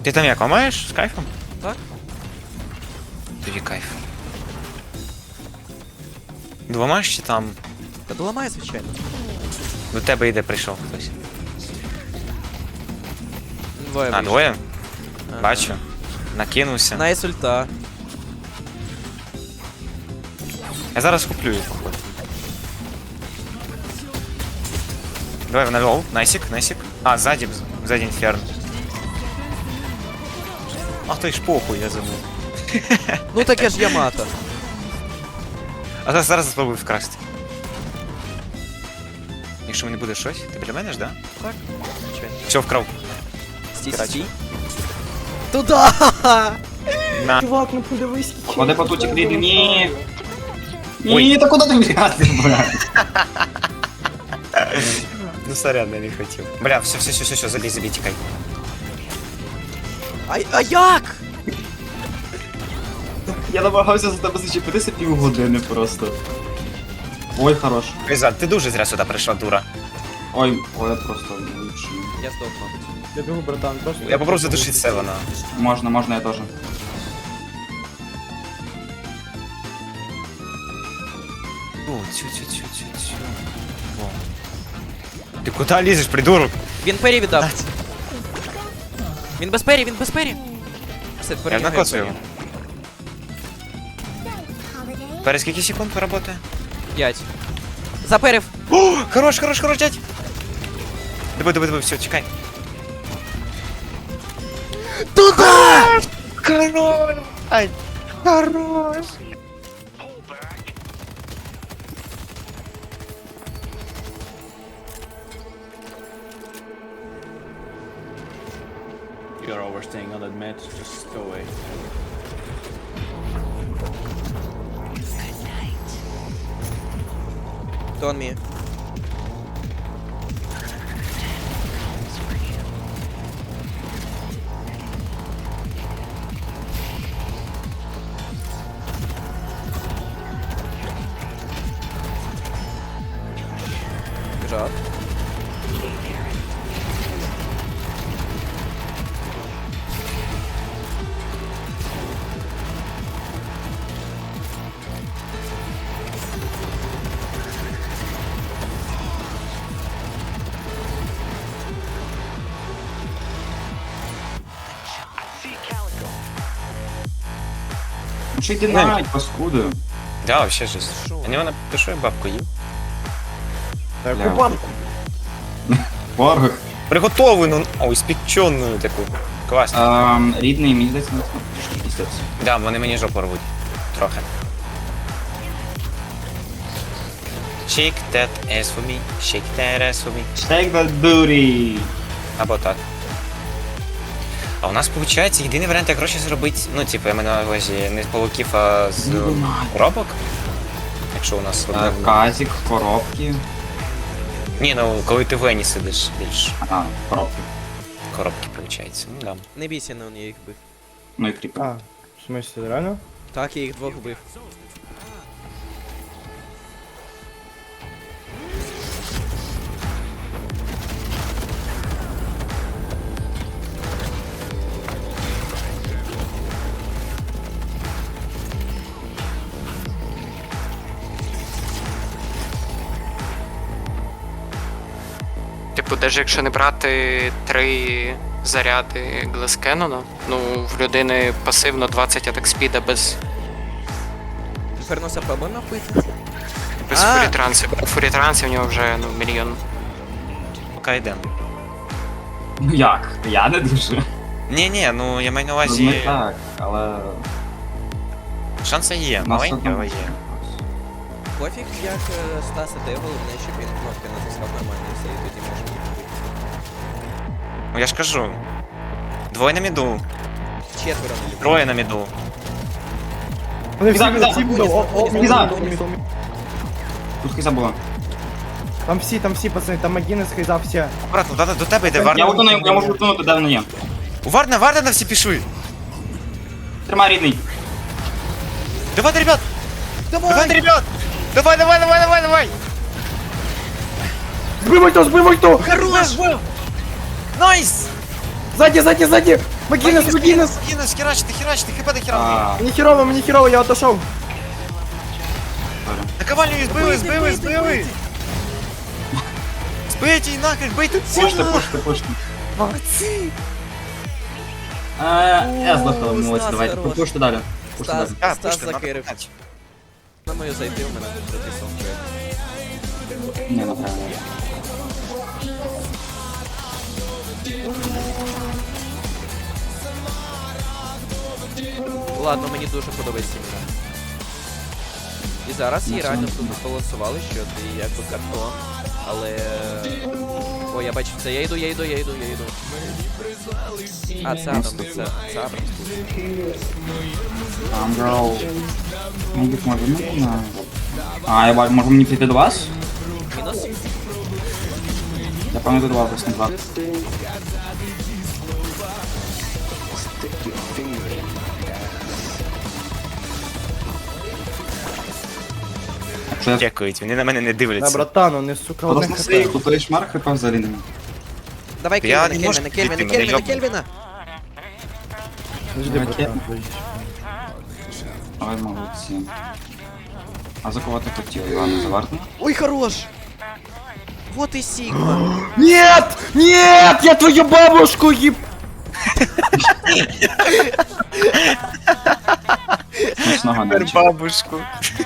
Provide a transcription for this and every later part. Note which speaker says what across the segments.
Speaker 1: Ти там як, ламаєш з кайфом?
Speaker 2: Так.
Speaker 1: Тобі кайф. Двома ж чи там?
Speaker 2: Та доламає, звичайно.
Speaker 1: До тебе йде прийшов хтось.
Speaker 2: Двоє
Speaker 1: А,
Speaker 2: вийшло.
Speaker 1: двоє?
Speaker 2: Ага.
Speaker 1: Бачу. Накинувся.
Speaker 2: Найс ульта.
Speaker 1: Я зараз куплю їх, походу. Давай, на лоу. Найсик, найсик. А, ззаді інферно. Ах ти ж похуй, я забув.
Speaker 2: Ну таке ж Ямато.
Speaker 1: А зараз спробую вкрасти. Якщо мені буде щось, ти біля мене ж, да?
Speaker 2: Так, звичайно.
Speaker 1: Все, вкрав.
Speaker 2: Стій,
Speaker 1: Короче.
Speaker 2: стій. Туда!
Speaker 1: На.
Speaker 3: Чувак, ну подивись, скільки.
Speaker 4: Ходи по туті кріди, ні.
Speaker 1: Ой.
Speaker 4: Ні, та куди ти вряти, блядь?
Speaker 1: Ну сорян, я не хотів. Бля, все, забій, тікай.
Speaker 2: А як?
Speaker 4: Я намагався за тебе зачепитися півгодини просто. Ой, хорош.
Speaker 1: Кайзан, ти дуже зря сюди прийшла, дура.
Speaker 4: Ой, я просто лучший.
Speaker 2: Я здох, мабуть.
Speaker 3: Я бігу, братан, просто.
Speaker 1: Я попробую задушити Севена.
Speaker 4: Можна, я теж.
Speaker 1: О, цю. О. Ти куди лізеш, придурок?
Speaker 2: Він пері віддав. Він без пері, він без пері. Все,
Speaker 1: Я
Speaker 2: перемігає
Speaker 1: накоцаю
Speaker 2: пері.
Speaker 1: його. Перед скільки секунд поработає?
Speaker 2: 5. Заперев.
Speaker 1: О, хорош, дядь. Диви, все, чекай.
Speaker 2: Туда!
Speaker 1: Хорош! Ай, хорош!
Speaker 5: You're overstaying, I'll admit. Just go away.
Speaker 2: Don't me. Бежат.
Speaker 4: Ну що йди навіть, паскуди.
Speaker 1: Да, вообще жесть.
Speaker 2: Шо?
Speaker 1: А не вона пишу, я бабку їв.
Speaker 3: Так,
Speaker 4: Бля.
Speaker 3: банку.
Speaker 4: Порох.
Speaker 1: Приготовлену, ой, спеченую таку. Класно.
Speaker 4: Рідний, мені здається, не трішки пістець.
Speaker 1: Да, вони мені жопу рвуть. Трохи. Shake that ass for me, shake that ass for me.
Speaker 4: Take that booty.
Speaker 1: Або так. А у нас виходить єдиний варіант, як гроші зробити, ну, типу, я маю на увазі не з павуків, а з коробок. Якщо у нас одне.
Speaker 4: Казик, коробки.
Speaker 1: Ні, ну коли ти в Ені сидиш більш
Speaker 4: А, коробки.
Speaker 1: коробки виходить. Ну да.
Speaker 2: Не бійся, не я їх бив.
Speaker 4: Ну і кріпи.
Speaker 3: А, в смысле, реально?
Speaker 2: Так, я їх двох бив.
Speaker 6: Типу, навіть якщо не брати 3 заряди Глескенона, ну, в людини пасивно 20 атак спіда без
Speaker 2: Ферноса пробуємо вбити? А.
Speaker 6: фурітрансів. У фурітрансів в нього вже, ну, мільйон.
Speaker 1: Поки йдемо.
Speaker 4: Ну як? Я не дуже.
Speaker 1: Ні, ну я маю на
Speaker 4: Ну, не
Speaker 1: увазі.
Speaker 4: так, але...
Speaker 1: Шанси є,
Speaker 4: Нас
Speaker 1: маленькі,
Speaker 4: одному.
Speaker 1: але є.
Speaker 2: Пофіг, як Стас іде, головне, щоб він кнопки натискав нормально і все, і тоді можна їх вбити.
Speaker 1: Ну я ж кажу. Двоє на міду,
Speaker 2: Четверо не люблю.
Speaker 1: троє на міду.
Speaker 3: Вони всі
Speaker 4: Кіза,
Speaker 3: всі
Speaker 4: Кіза,
Speaker 3: будуть.
Speaker 4: Кіза. Тут хиза була.
Speaker 3: Там всі, пацани, там Магінес, Хейза, всі.
Speaker 1: Аккуратно, до тебе йде
Speaker 4: Я
Speaker 1: Варна.
Speaker 4: утону, я можу утонути, де вона є.
Speaker 1: Варна на всі пішли.
Speaker 4: Тримай, рідний.
Speaker 1: Давайте, ребят! Давайте, ребят! Давай!
Speaker 3: Збивай то!
Speaker 1: Хорош! Найс!
Speaker 3: Ззаді! Магінес!
Speaker 1: Магінес, херачте, хп до хера.
Speaker 4: А,
Speaker 3: Мені херово, я отошов.
Speaker 1: Наковальню збили! Збийте її нахер, бийте
Speaker 4: пушти.
Speaker 1: Молодці!
Speaker 4: Я здохав, молодці,
Speaker 2: Стас
Speaker 4: давайте.
Speaker 2: хорош.
Speaker 4: Пушти далі. Пушти
Speaker 2: Стас,
Speaker 4: далі.
Speaker 2: Стас закирив. На мою зайти, у мене тут записав.
Speaker 4: Ні, направо.
Speaker 2: Ладно, мені дуже подобається імена. І зараз її реально тут збалансували, що ти якби картон, але... О, я бачив це, я йду. А, це Адам, це Адам.
Speaker 4: Амброу. Мабуть, може, не знаю. А, я бачу, може мені піти до вас?
Speaker 2: Мінус?
Speaker 4: Я пам'ятаю до вас, десь на 2. Якщо я
Speaker 1: Дякують, вони на мене не
Speaker 3: Да,
Speaker 1: дивляться.
Speaker 3: братану, не сука, одне
Speaker 4: просто
Speaker 3: хп.
Speaker 4: сейв, то той шмар хп взагалі нема.
Speaker 2: Давай
Speaker 1: Я
Speaker 2: Кельвіна,
Speaker 1: не можу
Speaker 2: Кельвіна,
Speaker 1: підійти,
Speaker 2: Кельвіна,
Speaker 1: мене
Speaker 2: Кельвіна, Кельвіна!
Speaker 3: Жди, братан.
Speaker 4: Ой, молодці. А за кого ти хотів, Івана, за Вартана?
Speaker 2: Ой, хорош! Вот и Сигма.
Speaker 3: Нет! Нет! Я твою бабушку еб...
Speaker 4: Смачного ночі.
Speaker 1: Бабушку.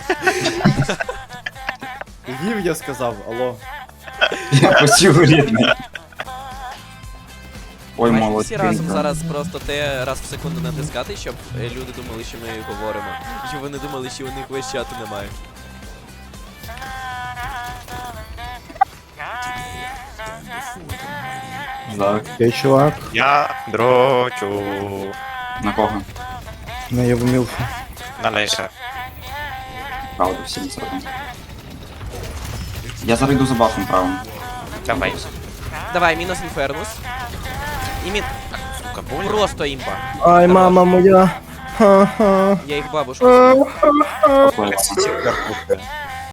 Speaker 3: Їв, я сказав, алло.
Speaker 4: Я почув рідний. Ой,
Speaker 2: Бачите,
Speaker 4: молодці.
Speaker 2: всі разом зараз просто те раз в секунду натискати, щоб люди думали, що ми говоримо. Щоб вони думали, що у них весь чату немає.
Speaker 4: Так,
Speaker 3: Ей, чувак.
Speaker 1: Я дрочу.
Speaker 4: на кого?
Speaker 3: На я в мілфу.
Speaker 1: На Леша.
Speaker 4: Правда, всі не сороком. Я зараз йду за бафом правим.
Speaker 1: Давай.
Speaker 2: Давай, мінус інфернус. І мін...
Speaker 1: Сука, больно.
Speaker 2: Просто імба.
Speaker 3: Ай, мама моя. Ха-ха.
Speaker 2: Я їх бабушку.
Speaker 4: Ой, ладно.
Speaker 1: Супер.